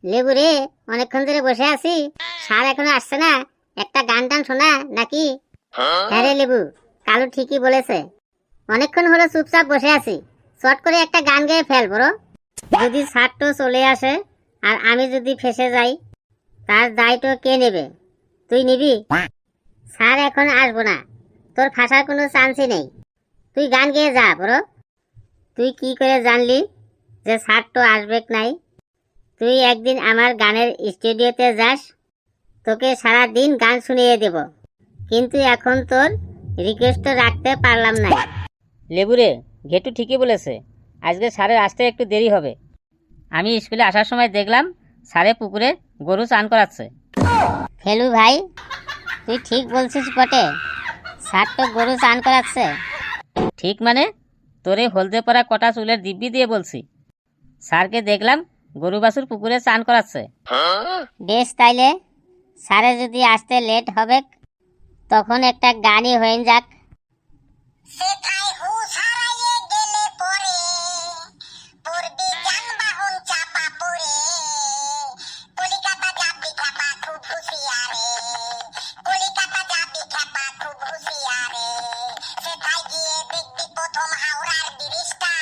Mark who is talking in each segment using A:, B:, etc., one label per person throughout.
A: লেবু রে, অনেকক্ষণ ধরে বসে আছি, স্যার এখনো আসছে না। একটা গান টান শোনা নাকি? হ্যাঁ রে লেবু, কালু ঠিকই বলেছে। অনেকক্ষণ হলো চুপচাপ বসে আছি, চট করে একটা গান গেয়ে ফেল বড়। যদি স্যার তো চলে আসে আর আমি যদি ফেসে যাই, তার দায়িত্ব কে নেবে? তুই নিবি? স্যার এখন আসবো না, তোর ফাঁসার কোনো চান্সই নেই। তুই গান গেয়ে যা বড়। তুই কি করে জানলি যে স্যার তো আসবে নাই? তুই একদিন আমার গানের স্টুডিওতে যাস, তোকে সারা দিন গান শুনিয়ে দেব, কিন্তু এখন তোর রিকোয়েস্ট রাখতে পারলাম না।
B: লেবুরে, ঘেটু ঠিকই বলেছে, আজকে স্যারের আসতে একটু দেরি হবে। আমি স্কুলে আসার সময় দেখলাম স্যারে পুকুরে গরু চান করাচ্ছে।
A: ফেলু ভাই, তুই ঠিক বলছিস বটে, স্যার তো গরু চান করাচ্ছে।
B: ঠিক মানে? তোরে হলদে পরা কটা চুলের দিব্যি দিয়ে বলছি। স্যারকে দেখলাম গরু বাছুর পুকুরে চান করাচ্ছে।
A: বেশ, তাইলে স্যারে যদি আসতে লেট হবে, তখন একটা গানই হয়ে যাক। সেথায় হুঁশ হারাইয়ে গেলে পরে পড়বি যানবাহন চাপা পড়ে, কলিকাতা যাবি খ্যাপা খুব হুঁশিয়ারে, কলিকাতা যাবি খ্যাপা খুব হুঁশিয়ারে, সেথায় গিয়ে দেখবি প্রথম হাওড়ার ব্রিজটা,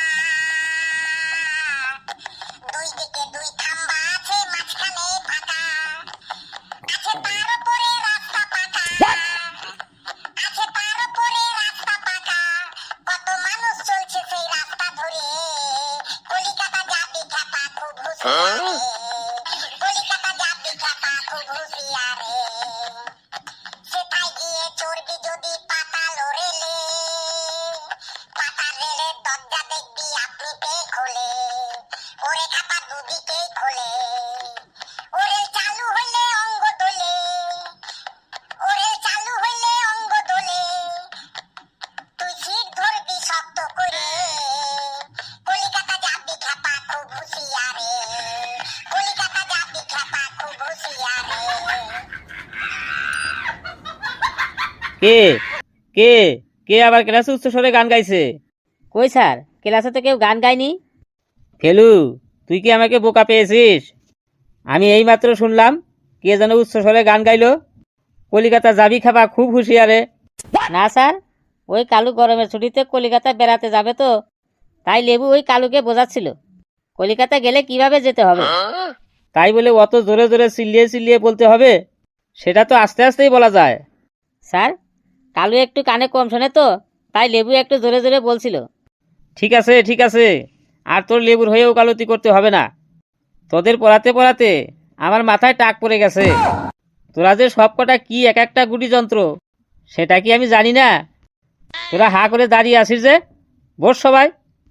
A: দুই দিকে দুই খাম্বা আছে, মাঝখানে ফাঁকা আছে, তার উপরে রাস্তা পাকা, আছে তার উপরে রাস্তা পাকা, কত মানুষ চলছে সেই রাস্তা ধরে, কলিকাতা যাবি খ্যাপা খুব হুঁশিয়ারে, কলিকাতা যাবি খ্যাপা খুব হুঁশিয়ারে, সেটাই গিয়ে চড়বি যদি পাতাল রেলে, পাতাল রেলের দরজা দেখবি আপনি পেয়ে খোলে, ওরে খ্যাপা দুদিকেই খোলে, ওরে চালু হইলে অঙ্গ দোলে, ওরে চালু হইলে অঙ্গ দোলে, তুই সিট ধরবি শক্ত করে, কলিকাতা যাবি খ্যাপা খুব হুঁশিয়ারে, কলিকাতা যাবি খ্যাপা খুব হুঁশিয়ারে।
B: কে কে কে আবার ক্লাসে উচ্চস্বরে গান গাইছে? কই স্যার, ক্লাসে তো কেউ গান গায়নি। ফেলু, তুই কি আমাকে বোকা পেয়েছিস? আমি এইমাত্র শুনলাম কে যেন উচ্চস্বরে গান গাইলো, কলিকাতা যাবি খাবা খুব হুঁশিয়ারে। না স্যার, ওই কালু গরমের ছুটিতে কলিকাতা বেড়াতে যাবে তো, তাই লেবু ওই কালুকে বোঝাচ্ছিল কলিকাতা গেলে কিভাবে যেতে হবে। তাই বলে অত জোরে জোরে চিল্লিয়ে চিল্লিয়ে বলতে হবে? সেটা তো আস্তে আস্তেই বলা যায়। স্যার, কালু একটু কানে কম শোনে তো, তাই লেবু একটু জোরে জোরে বলছিল। ঠিক আছে ঠিক আছে, আর তোর লেবুর হয়ে ওকালতি করতে হবে না। তোদের পড়াতে পড়াতে আমার মাথায় টাক পড়ে গেছে। তোরা যে সব কটা কি এক একটা গুটি যন্ত্র, সেটা কি আমি জানি না? তোরা হা করে দাঁড়িয়ে আসিস যে, বস সবাই।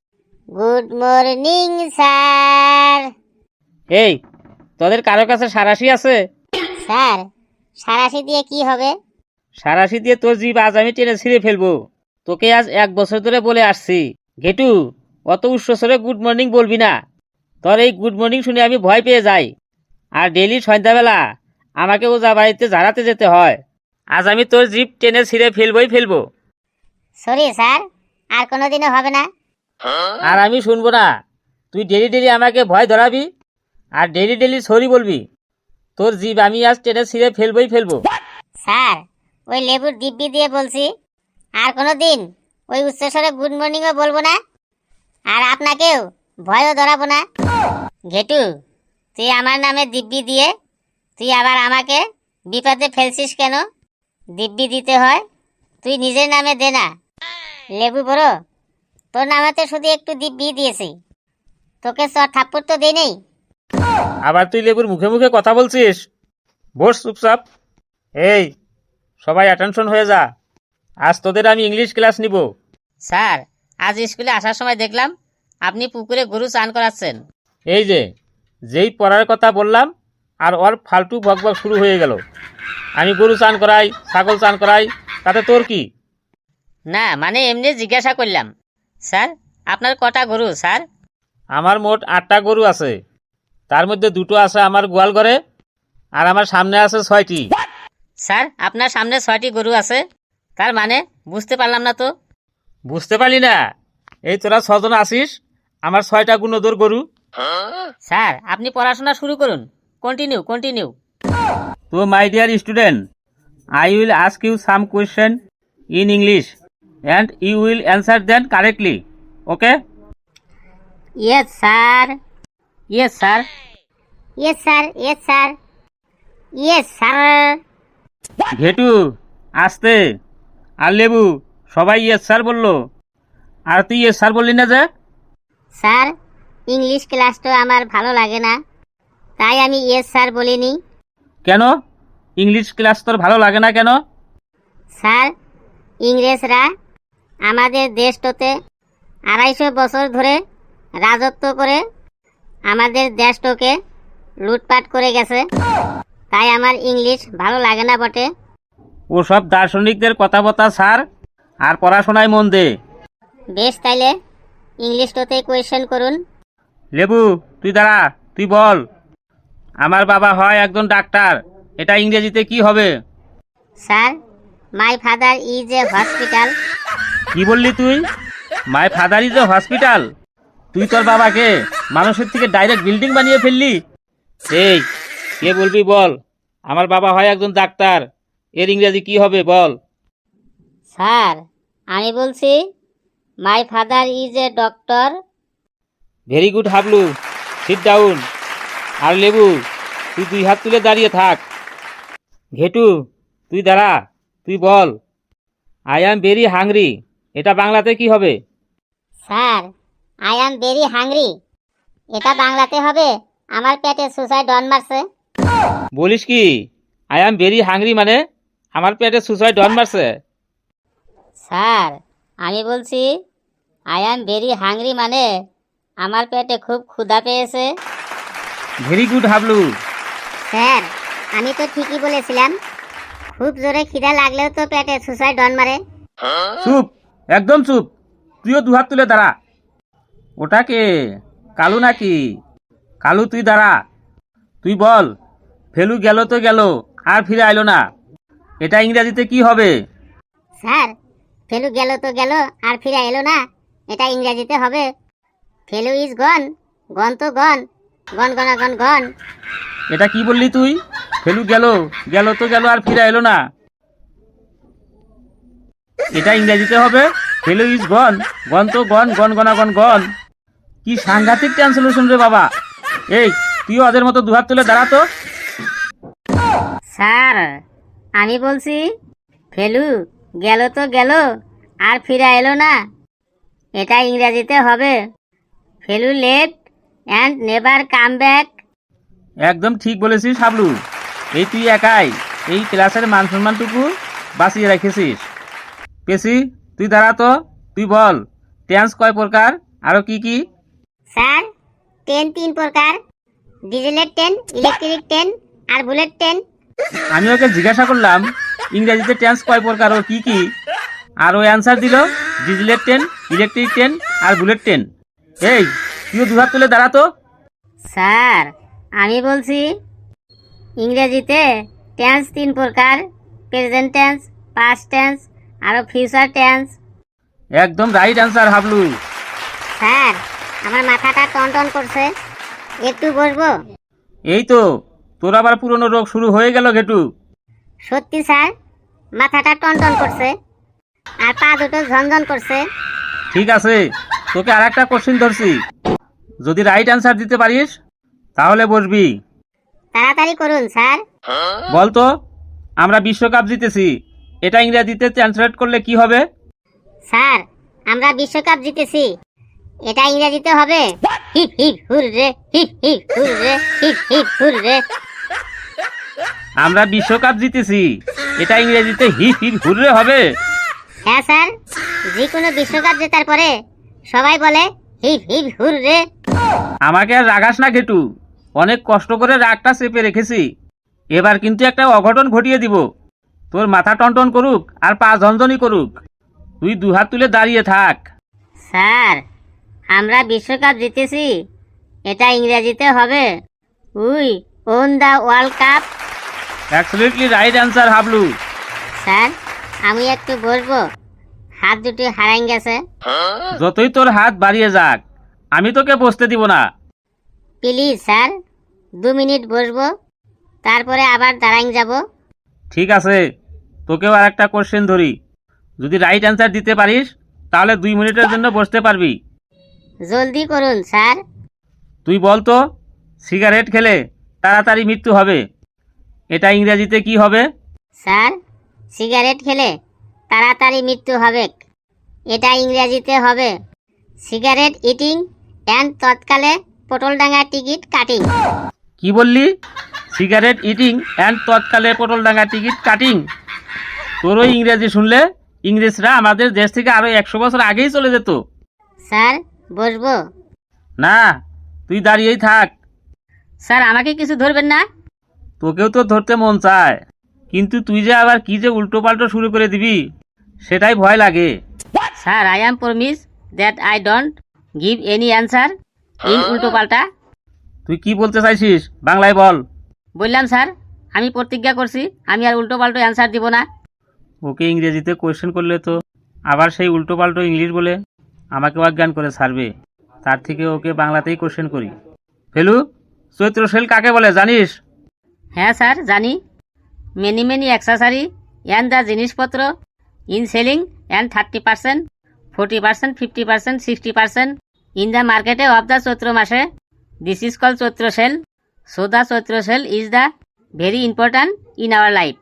A: Good morning sir.
B: এই, তোদের কারো কাছে সারাশি আছে?
A: স্যার, সারাশি দিয়ে কি হবে?
B: সারাশি দিয়ে তোর জিভ আজ আমি টেনে ছিঁড়ে ফেলবো। তোকে আজ 1 বছর ধরে বলে আসছি, ঘেটু, অত উচ্চস্বরে গুড মর্নিং বলবি না। তোর এই গুড মর্নিং শুনে আমি ভয় পেয়ে যাই, আর ডেলি সন্ধ্যাবেলা আমাকে ওজা বাড়িতে ঝাড়াতে যেতে হয়। আজ আমি তোর জিভ টেনে ছিঁড়ে ফেলবো।
A: সরি স্যার, আর কোনোদিনও হবে না।
B: আর আমি শুনবো না। তুই ডেলি ডেলি আমাকে ভয় ধরাবি আর ডেলি ডেলি সরি বলবি। তোর জিভ আমি আজ টেনে ছিঁড়ে ফেলবো।
A: স্যার, ওই লেবুর দিব্যি দিয়ে বলছি, আর কোনোদিন ওই উচ্চস্বরে গুড মর্নিংও বলবো না, আর আপনাকেও ভয়ও ধরাবো না। ঘেটু, তুই আমার নামে দিব্যি দিয়ে তুই আবার আমাকে বিপদে ফেলছিস কেন? দিব্যি দিতে হয় তুই নিজের নামে দে না। লেবু বড়, তোর নামেতে শুধু একটু দিব্যি দিয়েছি, তোকে চর থাপ্পড় তো দেই নেই।
B: আবার তুই লেবুর মুখে মুখে কথা বলছিস? বস চুপচাপ। এই, সবাই অ্যাটেনশন হয়ে যা, আজ তোদের আমি ইংলিশ ক্লাস নিব। স্যার, আজ স্কুলে আসার সময় দেখলাম আপনি পুকুরে গরু চান করাচ্ছেন। এই যে, যেই পড়ার কথা বললাম আর ওর ফালতু বকবক শুরু হয়ে গেল। আমি গরু চান করাই, ছাগল চান করাই, তাতে তোর কি? না মানে এমনি জিজ্ঞাসা করলাম। স্যার, আপনার কটা গরু স্যার? আমার মোট 8টা গরু আছে, তার মধ্যে 2টো আছে আমার গোয়াল ঘরে, আর আমার সামনে আছে 6টি। স্যার, আপনার সামনে 6টি গরু আছে, তার মানে বুঝতে পারলাম না তো। বুঝতে পারলি না? এই তোরা 6জন আসিস, আমার 6টা গুণোদর গরু, স্যার আপনি পড়াশোনা শুরু করুন, কন্টিনিউ কন্টিনিউ।
C: তো my dear student, I will ask you some question in English and you will answer them correctly. Okay?
B: Yes sir, yes sir.
A: Yes sir, yes sir, yes sir.
C: Ghetu আসতে, আর লেবু সবাই yes sir বললো, আর তুই yes sir বললি না যে?
A: Sir English ক্লাসটা আমার ভালো লাগে না, তাই আমি ইয়েস স্যার বলিনি।
C: কেন ইংলিশ ক্লাস তোর ভালো লাগে না কেন?
A: স্যার ইংরেজরা আমাদের দেশটাতে 250 বছর ধরে রাজত্ব করে আমাদের দেশটাকে লুটপাট করে গেছে, তাই আমার ইংলিশ ভালো লাগে না বটে।
C: ওসব দার্শনিকদের কথাবার্তা স্যার, আর পড়াশোনায় মন দে।
A: বেশ, তাইলে ইংলিশটাতে কোয়েশ্চেন করুন।
C: লেবু তুই দাঁড়া, তুই বল, আমার বাবা হয় একজন ডাক্তার, এটা ইংরেজিতে কি হবে?
A: Sir my father is a hospital.
C: কি বললি তুই? My father is a hospital? তুই তোর বাবাকে মানুষের থেকে ডাইরেক্ট বিল্ডিং বানিয়ে ফেললি। এই কে বলবি বল, আমার বাবা হয় একজন ডাক্তার, এর ইংরেজি কি হবে বল?
A: স্যার আমি বলছি my father is a doctor.
C: Very good Hablu, sit down. আর লেবু তুই 2 হাত তুলে দাঁড়িয়ে থাক। ঘেটু তুই দাঁড়া, তুই বল, আই অ্যাম ভেরি হাংরি, এটা বাংলাতে কি হবে?
A: Sir I am very hungry, এটা বাংলাতে হবে আমার পেটে সুসাইড ডন মারছে।
C: বলিস কি আই অ্যাম ভেরি হাংরি মানে আমার পেটে সুসাইড ডন মারছে?
A: স্যার আমি বলছি আই অ্যাম ভেরি হাংরি মানে আমার পেটে খুব ক্ষুধা পেয়েছে।
C: Very good Hablu.
A: স্যার আমি তো ঠিকই বলেছিলাম, খুব জোরে খিদা লাগলেও তো পেটে সুসাইড ডন মারে।
C: চুপ, একদম চুপ, তুইও 2 হাত তুলে দাঁড়া। ওটাকে কালু নাকি? কালু তুই দাঁড়া, তুই বল, ফেলু গেল তো গেল আর ফিরে আইলো না, এটা ইংরেজিতে কি হবে?
A: স্যার ফেলু গেল তো গেল আর ফিরে এলো না, এটা ইংরেজিতে হবে ফেলু ইজ গন, গন তো গন, গন গনা গন গন।
C: এটা কি বললি তুই? ফেলু গেল, গেল তো গেল আর ফিরে এলো না, এটা ইংরেজিতে হবে ফেলু ইজ গন, গন তো গন, গন গনা গন গন। কি সাংঘাতিক ট্রান্সলেশন রে বাবা। এই তুইও ওদের মতো 2 হাত তুলে দাঁড়া তো।
A: স্যার আমি বলছি ফেলু গেল তো গেল আর ফিরে এলো না, এটা ইংরেজিতে হবে Felu left and never come back.
C: একদম ঠিক বলেছিস হাবলু, এই তুই একাই এই ক্লাসের মান সম্মানটুকু বাঁচিয়ে রেখেছিস। পেশি তুই দাঁড়া তো, তুই বল, টেন্স কয় প্রকার, আরো কি কি?
A: স্যার ট্রেন 3 প্রকার, ডিজেলের ট্রেন, ইলেকট্রিক ট্রেন আর বুলেট ট্রেন।
C: আমি ওকে জিজ্ঞাসা করলাম ইংরেজিতে টেন্স কয় প্রকার ও কি কি, আর ও অ্যান্সার দিল ডিজেলের ট্রেন, ইলেকট্রিক ট্রেন আর বুলেট ট্রেন। এই তুইও 2 হাত তুলে দাঁড়া তো।
A: স্যার আমি বলছি ইংরেজিতে টেন্স 3 প্রকার, প্রেজেন্ট টেন্স, পাস্ট টেন্স আর ফিউচার টেন্স।
C: একদম রাইট অ্যান্সার হাবলু।
A: স্যার আমার মাথাটা টনটন করছে, একটু বসবো?
C: এই তো তোর আবার পুরনো রোগ শুরু হয়ে গেল ঘেটু।
A: সত্যি স্যার মাথাটা টনটন করছে আর পা দুটো ঝনঝন করছে।
C: ঠিক আছে, তোকে আর একটা কোশ্চিন ধরছি, যদি রাইট অ্যান্সার দিতে পারিস তাহলে বসবি।
A: তাড়াতাড়ি করুন স্যার।
C: বল তো, আমরা বিশ্বকাপ জিতেছি, এটা ইংরেজিতে ট্রান্সলেট করলে কি হবে?
A: স্যার আমরা বিশ্বকাপ জিতেছি, এটা ইংরেজিতে হবে hip hip hooray, hip hip hooray, hip hip hooray.
C: আমরা বিশ্বকাপ জিতেছি, এটা ইংরেজিতে হিপ হিপ হুররে হবে?
A: হ্যাঁ স্যার, যে কোনো বিশ্বকাপ জেতার পরে সবাই বলে হিপ হিপ হুররে।
C: আমাকে আর রাগাস না ঘেটু, অনেক কষ্ট করে রাগটা চেপে রেখেছি, এবার কিন্তু একটা অঘটন ঘটিয়ে দিব, তোর মাথা টনটন করুক আর পা ঝনঝনি করুক, তুই 2 হাত তুলে দাঁড়িয়ে থাক।
A: স্যার আমরা বিশ্বকাপ জিতেছি, এটা ইংরেজিতে হবে we won the world cup.
C: Absolutely right answer Hablu.
A: Sir আমি একটু বসবো, হাত দুটো হারাই গেছে।
C: যতই তোর হাত বাড়িয়ে যাক আমি তোকে বসতে দিব না।
A: প্লিজ স্যার 2 মিনিট বসবো, তারপরে আবার দাঁড়াইং যাব।
C: ঠিক আছে, তোকেও আর একটা কোশ্চেন ধরি। যদি রাইট অ্যান্সার দিতে পারিস তাহলে 2 মিনিটের জন্য বসতে পারবি।
A: জলদি করুন স্যার।
C: তুই বল তো, সিগারেট খেলে তাড়াতাড়ি মৃত্যু হবে, এটা ইংরেজিতে কি হবে?
A: স্যার, সিগারেট খেলে তাড়াতাড়ি মৃত্যু হবে, এটা ইংরেজিতে হবে সিগারেট ইটিং অ্যান্ড তৎকালে পটলডাঙ্গা টিকিট কাটিং।
C: কি বললি? সিগারেট ইটিং অ্যান্ড তৎকালে পটলডাঙ্গা টিকিট কাটিং? তোর ওই ইংরেজি শুনলে ইংরেজরা আমাদের দেশ থেকে আরো 100 বছর আগেই চলে যেত।
A: স্যার, বসবো?
C: না, তুই দাঁড়িয়েই থাক।
B: স্যার আমাকে কিছু ধরবেন না?
C: তোকেও তো ধরতে মন চায়, কিন্তু তুই যে আবার কি যে উল্টো পাল্টো শুরু করে দিবি সেটাই ভয় লাগে।
B: Sir, I am promise that I don't give any answer in উল্টো পাল্টা।
C: তুই কি বলতে চাইছিস বাংলায় বল।
B: বললাম স্যার, আমি প্রতিজ্ঞা করছি আমি আর উল্টো পাল্টো অ্যান্সার দিব না।
C: ওকে ইংরেজিতে কোয়েশ্চেন করলে তো আবার সেই উল্টো পাল্টো ইংলিশ বলে আমাকে অজ্ঞান করে ছাড়বে, তার থেকে ওকে বাংলাতেই কোয়েশ্চেন করি। ফেলু, চৈত্র সেল কাকে বলে জানিস?
B: হ্যাঁ স্যার, জানি। Many many accessory and the জিনিসপত্র in selling and 30%, 40%, 50%, 60% in the মার্কেটে অফ দ্য চৈত্র মাসে। This is call Chaitra sale. So the Chaitra sale is the very important in our life.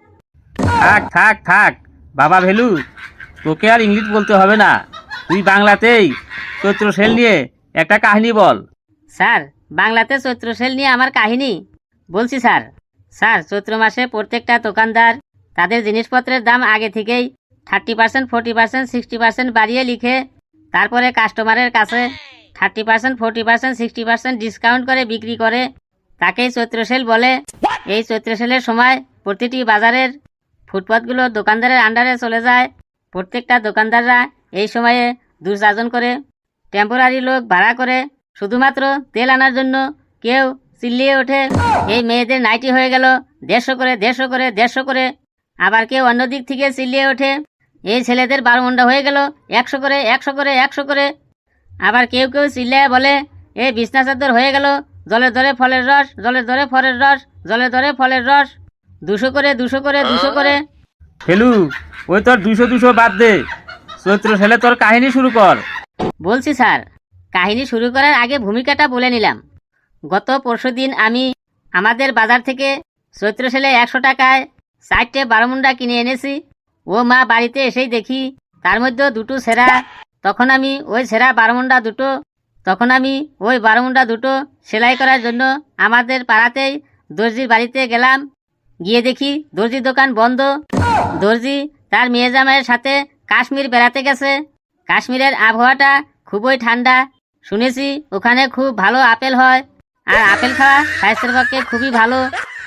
C: থাক থাক থাক বাবা ভেলু, তোকে আর ইংলিশ বলতে হবে না, তুই বাংলাতেই চৈত্র সেল নিয়ে একটা কাহিনী বল।
B: স্যার, বাংলাতে চৈত্র সেল নিয়ে আমার কাহিনী বলছি স্যার। স্যার, চৈত্র মাসে প্রত্যেকটা দোকানদার তাদের জিনিসপত্রের দাম আগে থেকেই 30%, 40%, 60% বাড়িয়ে লিখে তারপরে কাস্টমারের কাছে 30%, 40%, 60% ডিসকাউন্ট করে বিক্রি করে, তাকেই চৈত্র সেল বলে। এই চৈত্র সেলের সময় প্রতিটি বাজারের ফুটপাতগুলো দোকানদারের আন্ডারে চলে যায়। প্রত্যেকটা দোকানদাররা এই সময়ে 2-4 জন করে টেম্পোরারি লোক ভাড়া করে শুধুমাত্র তেল আনার জন্য। কেউ চিল্লিয়ে ওঠে, এই মেয়েদের নাইটি হয়ে গেল 150 করে, 150 করে, 150 করে। আবার কেউ অন্য দিক থেকে চিল্লিয়ে ওঠে, এই ছেলেদের 12 মুন্ডা হয়ে গেল 100 করে, 100 করে, 100 করে। আবার কেউ কেউ চিল্লিয়ে বলে, এই বিছনা চাদর হয়ে গেল জলের দরে ফলের রস, জলের দরে ফলের রস, জলের দরে ফলের রস, 200 করে, 200 করে, 200 করে।
C: ফেলু, ওই তোর 200 বাদ দে, চৈত্র সেলে তোর কাহিনী শুরু কর।
B: বলছি স্যার, কাহিনী শুরু করার আগে ভূমিকাটা বলে নিলাম। গত পরশুদিন আমি আমাদের বাজার থেকে চৈত্র সেলে 100 টাকায় 4টে 12 মুন্ডা কিনে এনেছি। ও মা, বাড়িতে এসেই দেখি তার মধ্যে 2টো সেরা। তখন আমি ওই সেরা 12 মুন্ডা দুটো সেলাই করার জন্য আমাদের পাড়াতেই দর্জির বাড়িতে গেলাম। গিয়ে দেখি দর্জির দোকান বন্ধ। দর্জি তার মেয়ে জামাইয়ের সাথে কাশ্মীর বেড়াতে গেছে। কাশ্মীরের আবহাওয়াটা খুবই ঠান্ডা, শুনেছি ওখানে খুব ভালো আপেল হয়, আর আপেল খাওয়া স্বাস্থ্যের পক্ষে খুবই ভালো।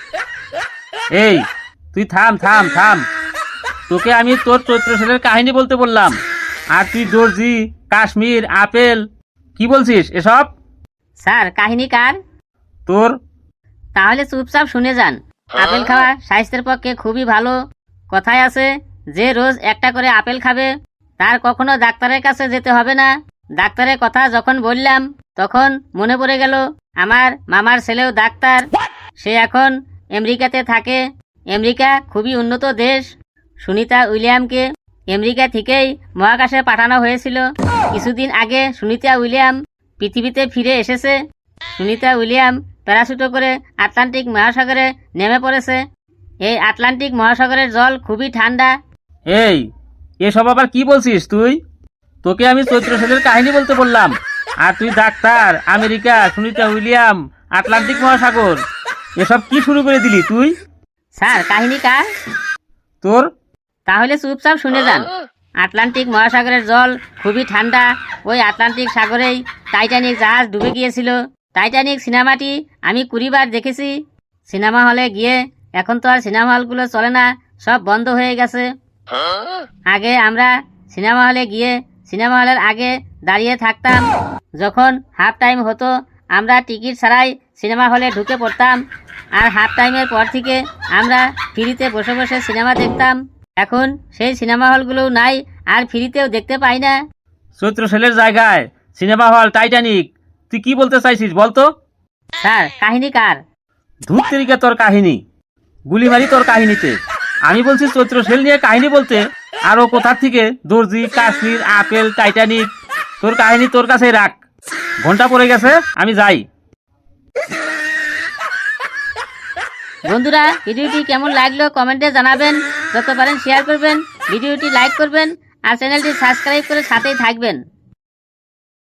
C: এই তুই থাম থাম থাম, তোকে আমি তোর চৈত্র সেলের কাহিনী বলতে বললাম, আর তুই দর্জি, কাশ্মীর, আপেল কি বলছিস এসব?
B: স্যার, কাহিনী কার?
C: তোর।
B: তাহলে চুপচাপ শুনে যান। আপেল খাওয়া স্বাস্থ্যের পক্ষে খুবই ভালো। কথায় আছে, যে রোজ একটা করে আপেল খাবে তার কখনো ডাক্তারের কাছে যেতে হবে না। ডাক্তারের কথা যখন বললাম তখন মনে পড়ে গেল আমার মামার ছেলেও ডাক্তার। সে এখন আমেরিকাতে থাকে। আমেরিকা খুবই উন্নত দেশ। সুনিতা উইলিয়ামকে আমেরিকা থেকেই মহাকাশে পাঠানো হয়েছিল। কিছুদিন আগে সুনিতা উইলিয়াম পৃথিবীতে ফিরে এসেছে। সুনিতা উইলিয়াম প্যারাশুটে করে আটলান্টিক মহাসাগরে নেমে পড়েছে। এই আটলান্টিক মহাসাগরের জল খুবই ঠান্ডা।
C: এই এসব আবার কি বলছিস তুই? তোকে আমি চৈত্র সেলের কাহিনী বলতে বললাম, আর তুই ডাক্তার, আমেরিকা, সুনিতা উইলিয়াম, আটলান্টিক মহাসাগর, এসব কি শুরু করে দিলি তুই?
B: স্যার, কাহিনী কার?
C: তোর।
B: তাহলে চুপচাপ শুনে যান। আটলান্টিক মহাসাগরের জল খুবই ঠান্ডা। ওই আটলান্টিক সাগরেই টাইটানিক জাহাজ ডুবে গিয়েছিল। টাইটানিক সিনেমাটি আমি 20 বার দেখেছি সিনেমা হলে গিয়ে। এখন তো আর সিনেমা হলগুলো চলে না, সব বন্ধ হয়ে গেছে। আগে আমরা সিনেমা হলে গিয়ে সিনেমা হলের আগে দাঁড়িয়ে থাকতাম। যখন হাফ টাইম হতো আমরা টিকিট ছাড়াই সিনেমা হলে ঢুকে পড়তাম, আর হাফ টাইমের পর থেকে আমরা ফ্রিতে বসে বসে সিনেমা দেখতাম। এখন সেই সিনেমা হলগুলোও নাই, আর ফ্রিতেও দেখতে পাই না।
C: চৈত্র সেলের জায়গায় সিনেমা হল, টাইটানিক, তুই কি বলতে চাইছিস বলতো?
B: স্যার কাহিনী কার?
C: ধূপ তেরিকা তোর কাহিনী, গুলি মারি তোর কাহিনীতে। আমি বলছি চৈত্র সেল নিয়ে কাহিনী বলতে, আর ও কোথার থেকে দর্জি, কাশ্মীর, আপেল, টাইটানিক। তোর কাহিনী তোর কাছেই রাখ। ঘন্টা পড়ে গেছে, আমি যাই।
B: বন্ধুরা, ভিডিওটি কেমন লাগলো কমেন্টে জানাবেন, যত পারেন শেয়ার করবেন, ভিডিওটি লাইক করবেন আর চ্যানেলটি সাবস্ক্রাইব করে সাথেই থাকবেন।